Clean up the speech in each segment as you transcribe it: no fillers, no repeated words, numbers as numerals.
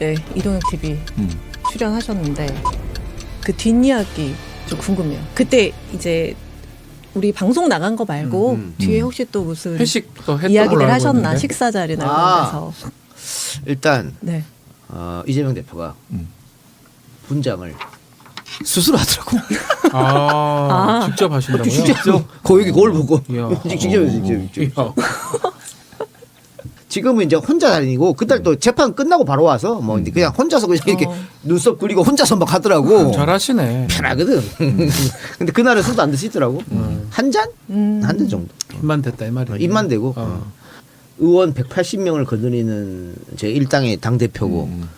때 이동혁 TV 출연하셨는데 그 뒷이야기 좀 궁금해요. 그때 이제 우리 방송 나간 거 말고 뒤에 혹시 또 무슨 회식도 했던 이야기들 걸로 알고 하셨나? 있는데. 식사 자리나 이런 데서. 일단 네. 이재명 대표가 분장을 스스로 하더라고. 직접 하신다고요? 직접 거기 거울 보고 이야. 직접. 지금은 이제 혼자 다니고 그날 또 재판 끝나고 바로 와서 뭐 이제 그냥 혼자서 그냥 이렇게 눈썹 그리고 혼자서 막 하더라고. 잘하시네. 편하거든. 근데 그날은 술도 안 드시더라고. 한 잔? 한 잔 정도. 입만 됐다 이 말이야. 입만 대고. 의원 180명을 거느리는 제 일당의 당 대표고.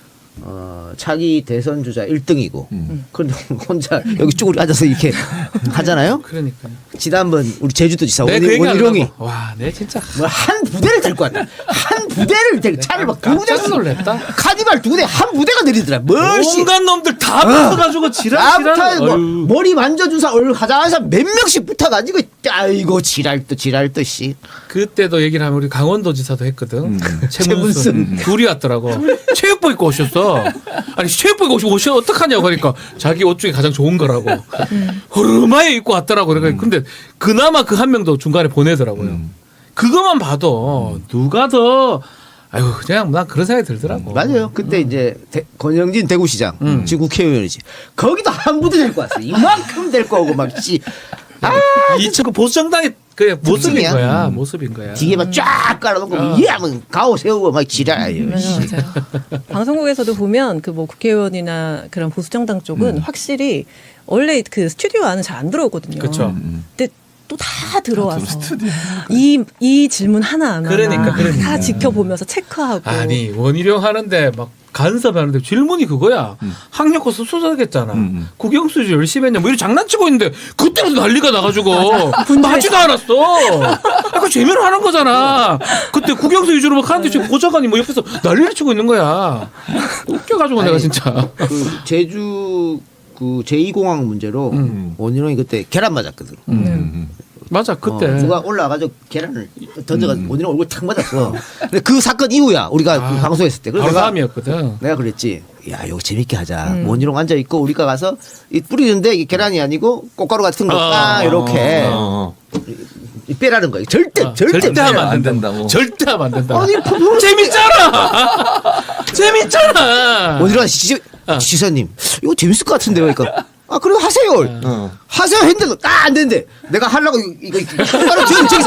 차기 대선 주자 1등이고 그런데 혼자 여기 쭈그리 앉아서 이렇게 하잖아요. 그러니까요. 지난번 우리 제주도지사 내 그 얘기 원희룡이 하려고. 와, 내 진짜 뭐 한 부대를 데리고 왔다. 한 부대를 데리고 차를 막 두 부대 깜짝 놀랐다. 카니발 두 부대 한 부대가 내리더라. 멀씨 온갖 놈들 다 붙어가지고 지랄. 뭐 머리 만져준 사람 얼굴 가장한 사람 몇 명씩 붙어가지고 아이고 지랄 듯 씨. 그때도 얘기를 하면 우리 강원도지사도 했거든. 최문순. 둘이 왔더라고. 체육복 입고 오셨어. 아니 체육복 입고 오시면 어떡하냐고 그러니까 자기 옷 중에 가장 좋은 거라고. 허름하게 입고 왔더라고. 그러니까 근데 그나마 그 한 명도 중간에 보내더라고요. 그것만 봐도 누가 더 아유 그냥 난 그런 생각이 들더라고. 맞아요. 그때 이제 권영진 대구시장 지금 국회의원이지. 거기도 한 부대 데리고 왔어. 이만큼 데리고 오고 막 씨. 이그 보수정당의 그 모습인 특징이야. 거야. 모습인 거야. 뒤에만 쫙 깔아놓고 예 하면 가오 세우고 막 지랄해요. 맞아요. 방송국에서도 보면 그 뭐 국회의원이나 그런 보수정당 쪽은 확실히 원래 그 스튜디오 안은 잘 안 들어오거든요. 그렇죠. 근데 또 다 들어와서 이 질문 하나하나 그러니까. 다 지켜보면서 체크하고. 아니 원희룡 하는데 막 간섭하는데 질문이 그거야. 학력 고수 수사겠잖아. 국영수지 열심히 했냐 뭐 이런 장난치고 있는데 그때부터 난리가 나가지고 맞지도 않았어. 약간 재미로 하는 거잖아. 그때 국영수 위주로 막 하는데 지금 보좌관이 뭐 옆에서 난리를 치고 있는 거야. 웃겨가지고 내가 진짜. 그 제주 그 제2공항 문제로 원희룡이 그때 계란 맞았거든. 맞아 그때. 누가 올라와가지고 계란을 던져가지고 원희룡 얼굴 탁 맞았어. 근데 그 사건 이후야 우리가 그 방송했을 때. 그래서 바로 다음이었거든. 내가 그랬지. 야, 이거 재밌게 하자. 원희룡 앉아 있고 우리가 가서 이 뿌리는데 이게 계란이 아니고 꽃가루 같은 거 딱 이렇게 빼라는 거예요. 절대 하면 안 된다고. 절대 하면 안 된다고. 아니 재밌잖아. 재밌잖아. 원희룡 지사님 이거 재밌을 것 같은데요. 그러니까 아 그래 하세요. 하세요 했는데 안 되는데 내가 하려고 이거 꽃가루 저기서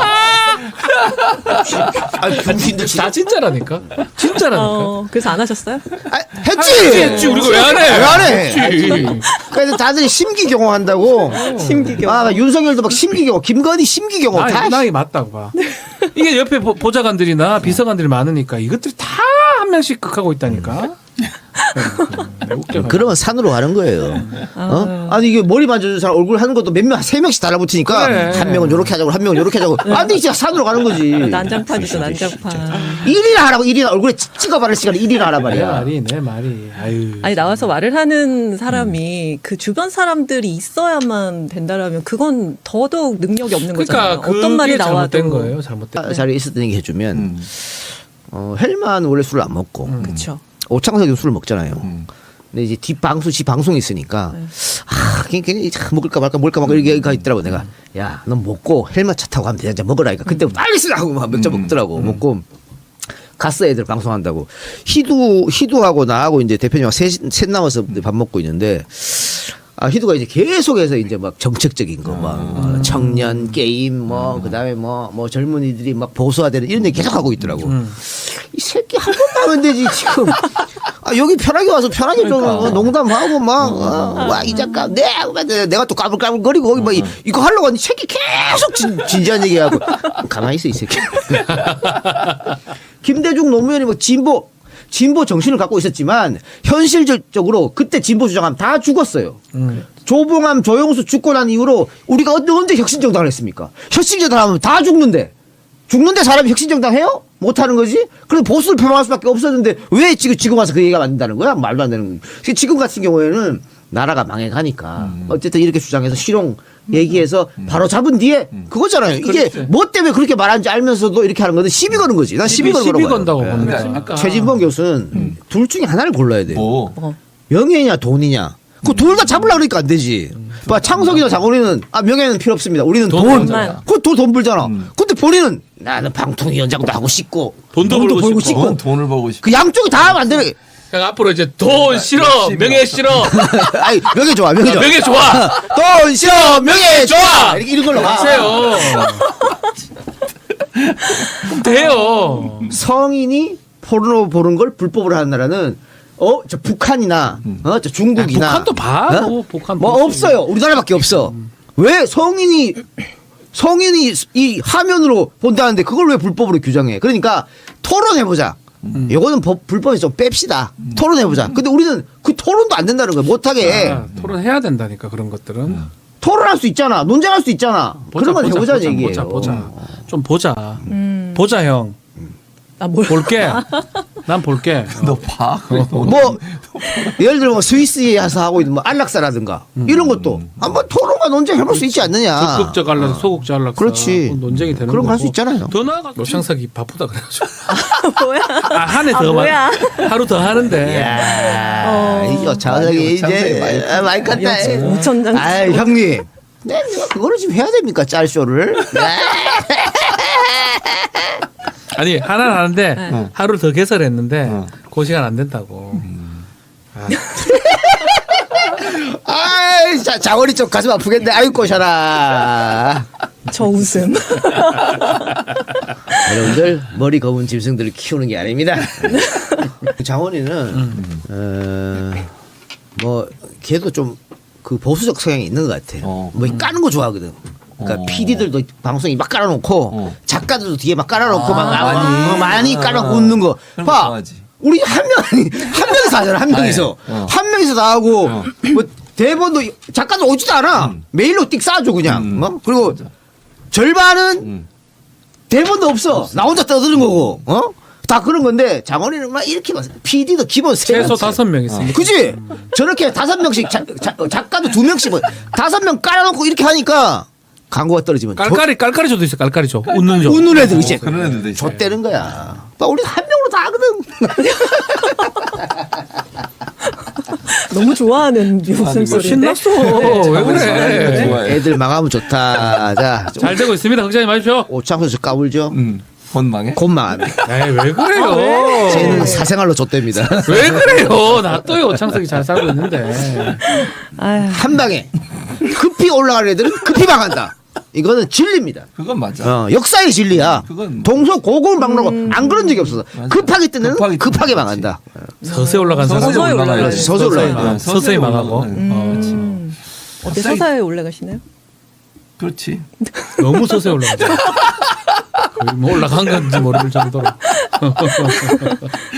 아 병신들 다 진짜라니까. 진짜라니까. 그래서 안 하셨어요? 했지. 우리가 왜 안 해? 왜 안 해? 했지. 그래서 다들 심기경호한다고. 심기경. 아 윤석열도 막 심기경호, 김건희 심기경호 다. 나이 맞다고 봐. 이게 옆에 보좌관들이나 비서관들이 많으니까 이것들이 다 한 명씩 극하고 있다니까. 그러면 산으로 가는 거예요. 아니 이게 머리 만져준 사람 얼굴 하는 것도 몇 명, 세 명씩 달라붙으니까 그래. 한 명은 요렇게 하자고 한 명은 요렇게 하자고. 안 돼, 진짜 산으로 가는 거지. 난장판이죠, 난장판. 일이나 하라고 일이나 얼굴에 찍어바를 시간에 일이나 하라 말이야. 내 말이. 아유. 아니 나와서 말을 하는 사람이 그 주변 사람들이 있어야만 된다라면 그건 더더욱 능력이 없는 거잖아요. 그러니까 어떤 말이 그게 나와도. 잘못된 거예요. 잘못된. 자리에 있었던 얘기 해주면 헬만 원래 술을 안 먹고 그렇죠. 오창석이 술을 먹잖아요. 근데 이제 지 방송이 있으니까 괜히 먹을까 말까 이렇게 있더라고. 내가 야, 넌 먹고 헬멧 차 타고 가면 되잖아. 먹으라니까. 그때 빨리 쓰라고 막 몇 잔 먹더라고. 먹고 갔어 애들 방송한다고. 희두하고 나하고 이제 대표님하고 셋 남아서 밥 먹고 있는데 희두가 이제 계속해서 이제 막 정책적인 거 막 청년 게임 뭐 그다음에 뭐 젊은이들이 막 보수화되는 이런 얘기 계속 하고 있더라고. 이 새끼 한 번도 하면 되지 지금. 여기 편하게 와서 편하게 좀 농담하고 이 작가 내가 또 까불까불거리고 거기 막 이거 하려고 하니 새끼 계속 진지한 얘기하고 가만히 있어 이 새끼. 김대중 노무현이 뭐 진보 정신을 갖고 있었지만 현실적으로 그때 진보 주장하면 다 죽었어요. 조봉암 조영수 죽고 난 이후로 우리가 언제 혁신정당을 했습니까? 혁신정당 하면 다 죽는데 죽는데 사람이 혁신정당 해요? 못하는 거지? 그래서 보수를 표방할 수밖에 없었는데 왜 지금 와서 그 얘기가 만든다는 거야? 말도 안 되는 거지. 지금 같은 경우에는 나라가 망해가니까 어쨌든 이렇게 주장해서 실용 얘기해서 바로 잡은 뒤에 그거잖아요. 이게 그렇지. 뭐 때문에 그렇게 말하는지 알면서도 이렇게 하는 건데 시비 거는 거지. 난 시비 거는 시비 거라고 건다고 봐요. 보는 네. 거지. 아까 최진봉 교수는 둘 중에 하나를 골라야 돼요. 뭐. 명예냐 돈이냐. 그 둘 다 잡으려고 그러니까 안 되지. 봐, 창석이나 장원이는 명예는 필요 없습니다. 우리는 돈. 벌잖아. 돈 벌잖아. 근데 본인은 나는 방통위원장도 하고 싶고 돈도 벌고 싶고. 그건 돈을 벌고 싶고. 그 양쪽이 다 하면 안 되는. 그러니까 앞으로 이제 돈 싫어, 명예 싫어, 아니 명예 좋아, 명예 좋아. 명예 좋아. 돈 싫어, 명예 좋아. 이렇게 이런 걸로 가. 하세요. 그럼 돼요. 성인이 포르노 보는 걸 불법으로 하는 나라는 저 북한이나 저 중국이나 북한도 봐. 어? 뭐, 북한 뭐 보지. 없어요. 우리나라밖에 없어. 왜 성인이 이 화면으로 본다는데 그걸 왜 불법으로 규정해? 그러니까 토론해보자. 이거는 불법에 좀 뺍시다. 토론해보자. 근데 우리는 그 토론도 안 된다는 거야. 못하게. 아, 토론해야 된다니까 그런 것들은. 토론할 수 있잖아. 논쟁할 수 있잖아. 그런 건 해보자는 얘기예요. 보자. 좀 보자. 보자 형. 아, 뭘. 볼게. 난 볼게. 너 봐. 뭐 예를 들어 뭐 스위스에서 하고 있는 뭐 안락사라든가 이런 것도 한번 토론과 논쟁해볼 수 있지 않느냐. 적극적 안락사, 소극적 안락사. 그렇지. 논쟁이 되는 그런 거 할 수 거고. 있잖아요. 더 나아가. 노창석이 바쁘다 그래가지고. 뭐야? 한 해 아, 더 뭐야? 하루 더 하는데. 이거 자석이 이제 많이 깠다. 5,000장. 아 형님. 네, 내가 그거를 지금 해야 됩니까 짤쇼를? 아니 하나는 하는데 하루 더 개설했는데 그 시간 안 된다고. 아, 자원이 좀 가슴 아프겠네. 아유 꼬셔라. 저 웃음. 여러분들 머리 검은 짐승들을 키우는 게 아닙니다. 장원이는 뭐 걔도 좀 그 보수적 성향이 있는 것 같아. 뭐 까는 거 좋아하거든. 그러니까 PD들도 방송에 막 깔아놓고 작가들도 뒤에 막 깔아놓고 막 많이 깔아놓고 웃는 거. 그런 거 봐. 좋아하지. 우리 한 명이서 하잖아. 한 명이서. 한 명이서 다 하고 뭐 대본도 작가도 오지도 않아. 메일로 띡 싸줘 그냥. 그리고 절반은 대본도 없어. 나 혼자 떠드는 거고. 다 그런 건데 장원이는 막 이렇게 막 PD도 기본 최소 3명. 5명 있으니까. 그지? 저렇게 5명씩 작가도 2명씩 뭐 5명 깔아놓고 이렇게 하니까 광고가 떨어지면 깔깔이조도 있어. 깔깔이조. 웃는 조. 웃는 애들 이제 그런 애들도 있어요. 좆대는 거야. 우리 한 명으로 다 하거든. 너무 좋아하는 웃음소리인데. 신났어. 왜 그래? 좋아해. 애들 망하면 좋다. 자, 잘 되고 있습니다. 걱정하지 마십시오. 오창수 씨 까불죠? 본망에? 곧 망합니다. 에이 왜 그래요? 쟤는 사생활로 좆됩니다. 왜 그래요? 놔둬요. 창석이 잘 살고 있는데. 아휴. 한 방에 급히 올라가는 애들은 급히 망한다. 이거는 진리입니다. 그건 맞아. 역사의 진리야. 그건 동서고금박로고 안 그런 적이 없어서 급하게 뜨는 급하게 급하게 뜨는 망한다. 서서히 올라간 사람. 서서히 올라가요. 서서히 올라가요. 서서히 망하고. 어때 서사에 올라가시나요? 그렇지. 너무 서서히 올라가죠. 거의 뭐 올라간 건지 모를 정도로.